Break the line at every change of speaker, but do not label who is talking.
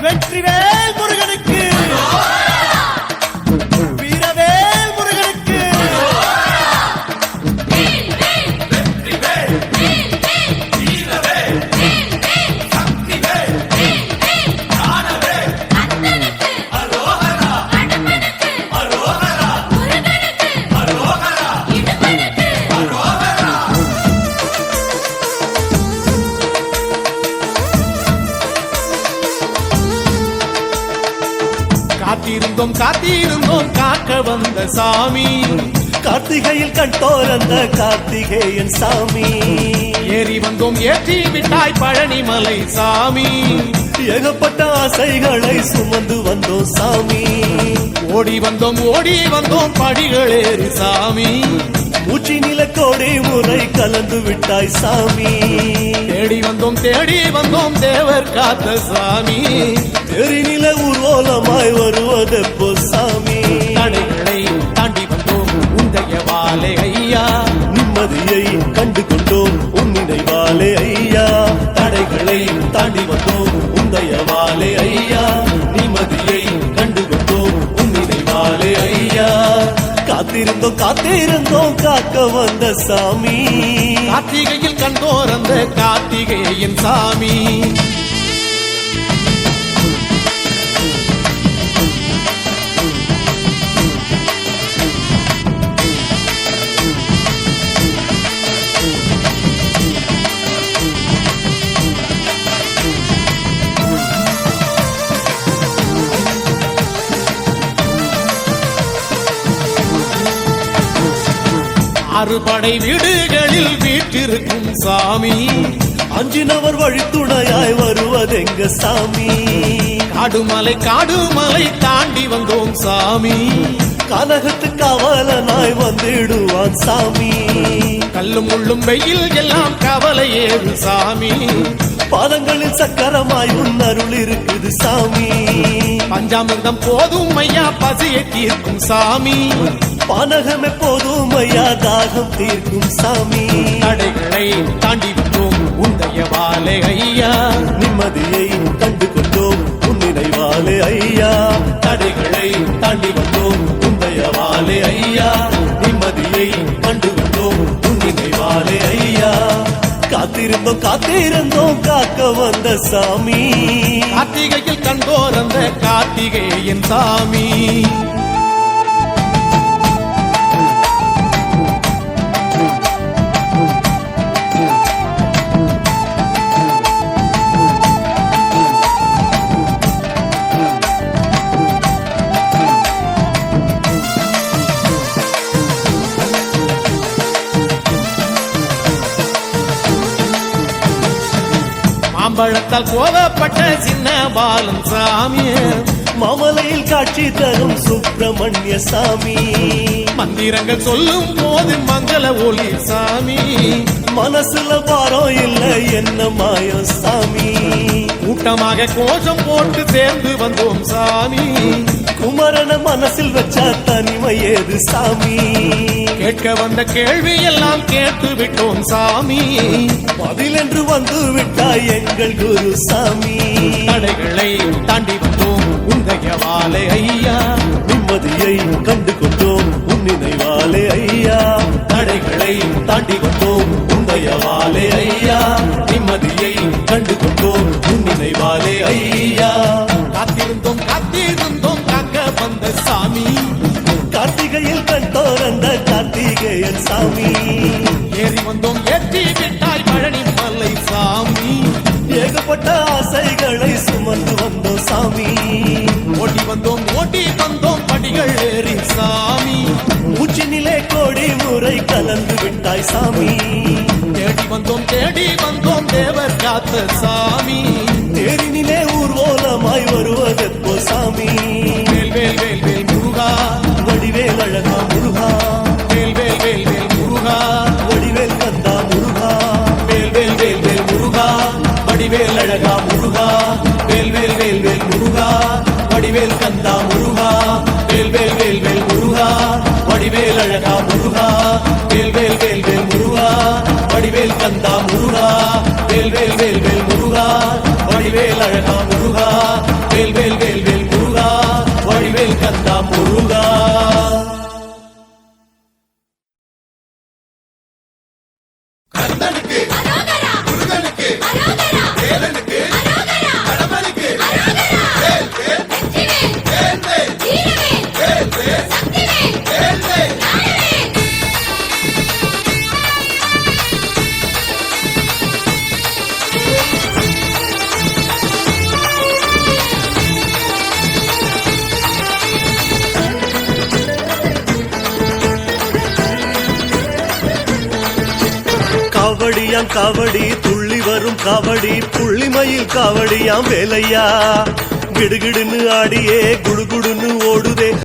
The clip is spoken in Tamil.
வெற்றிவேல் முருகனுக்கு, வீரவேல் முருகனுக்கு.
காத்திருந்தோம் காத்திருந்தோம் காக்க வந்த சாமி,
கார்த்திகையில் கண்டோரந்த கார்த்திகேயன் சாமி.
ஏறி வந்தோம் ஏற்றி விட்டாய் பழனிமலை சாமி.
ஏகப்பட்ட ஆசைகளை சுமந்து வந்தோம் சாமி.
ஓடி வந்தோம் படிகளேறி சாமி.
மூச்சி நிலக்கோடி முறை கலந்து விட்டாய் சாமி.
தேடி வந்தோம் தேவர் காத்த சாமி.
தெரிநில ஊர்வலமாய் வருவதெப்போ சாமி.
தடைகளை தாண்டி வந்தோம் உந்தைய வாழை ஐயா.
நிம்மதியை கண்டு கொண்டோம் உன் நினைவாலே ஐயா. தடைகளை தாண்டி வந்தோம் உந்தைய வாழை ஐயா. நிம்மதியை கண்டு கொண்டோம் உன் நினைவாலே ஐயா. காத்திருந்தோம் காக்க வந்த சாமி.
கார்த்திகையில் கண்டோர் அந்த கார்த்திகேயன் சாமி. அறுபடை வீடுகளில் வீட்டிருக்கும் சாமி.
அஞ்சினவர் வழித்துணையாய் வருவதெங்க சாமி.
காடுமலை தாண்டி வந்தோம் சாமி.
கனகத்து காவலனாய் வந்திடுவான் சாமி.
கல்லும் முள்ளும் வெயில் எல்லாம் கவலை ஏறு சாமி.
பாதங்களில் சக்கரமாய் உன் அருள் இருக்குது சாமி.
பஞ்சாமிர்தம் போதும் ஐயா பசியை தீர்க்கும் சாமி.
பானகம் எப்போதும் ஐயா தாகம் தீர்க்கும் சாமி.
தடைகளை தாண்டி வந்தோம் உந்தைய வாழை ஐயா.
நிம்மதியை கண்டு கொண்டோம் உன் நினைவாலே ஐயா. தடைகளை தாண்டி வந்தோம் உந்தைய வாழை ஐயா. நிம்மதியை கண்டு கொண்டோம் உன் நினைவாலே ஐயா. காத்திருந்தோம் காக்க வந்த சாமி.
கார்த்திகையில் கண்டோர் அந்த கார்த்திகேயன் சாமி. மாம்பழத்தால் கோவப்பட்ட சின்ன பாலன் சாமி.
மாமலையில் காட்சி தரும் சுப்பிரமணிய சாமி.
மந்திரங்கள் சொல்லும் போது மங்கள ஒளி சாமி.
மனசுல பாரம் இல்ல என்ன மாயம் சாமி.
கூட்டமாக கோஷம் போட்டு சேர்ந்து வந்தோம் சாமி.
குமரன மனசில் வச்சா தனிமை ஏது சாமி.
கேட்க வந்த கேள்வி எல்லாம் கேட்டு விட்டோம் சாமி.
பதில் என்று வந்து விட்டாய் எங்கள் குரு சாமி.
தடைகளை தாண்டி வந்தோம் உந்தைய வாழை ஐயா.
நிம்மதியை கண்டு கொண்டோம் உன் நினைவாலே ஐயா. தடைகளை தாண்டி வந்தோம் உந்தைய வாழை ஐயா. நிம்மதியை கண்டு கொண்டோம் உன் நினைவாலே ஐயா.
காத்திருந்தோம் காக்க வந்த சாமி.
கார்த்திகையில் கண்டோர் அந்த கார்த்திகேயன் சாமி.
ஏறி வந்தோம் ஏற்றி விட்டாய் பழனிமலை சாமி.
ஏகப்பட்ட ஆசைகளை சுமந்து வந்தோம் சாமி.
ஓடி வந்தோம் படிகள் ஏறி சாமி.
மூச்சு நிலை கோடி முறை கலந்து விட்டாய் சாமி.
தேடி வந்தோம் தேவர் காத்த சாமி.
தேரினிலே ஊர்வலமாய் வருவதெப்போ சாமி.
வேல் வேல் வேல் வேல் முருகா.
வடிவேல் அழகா முருகா.
வேல் வேல் வேல் வேல் முருகா.
வடிவேல் கந்தா முருகா.
வேல் வேல் வேல் வேல் முருகா.
வடிவேல் அழகா முருகா.
வேல் வேல் வேல் வேல் முருகா.
வடிவேல் கந்தா முருகா. வேல் வேல் வேல் வேல் முருகா. வடிவேல் அழகா முருகா. வேல் வேல் வேல் வேல் முருகா. வடிவேல் கந்தா முருகா. வேல் வேல் வேல் வேல் முருகா. வடிவேல் அழகா முருகா. காவடியாம் காவடி துள்ளி வரும் காவடி புள்ளிமயில் காவடியாம் வேலையா கிடுகிடுன்னு ஆடியே குடுகுடுன்னு ஓடுதே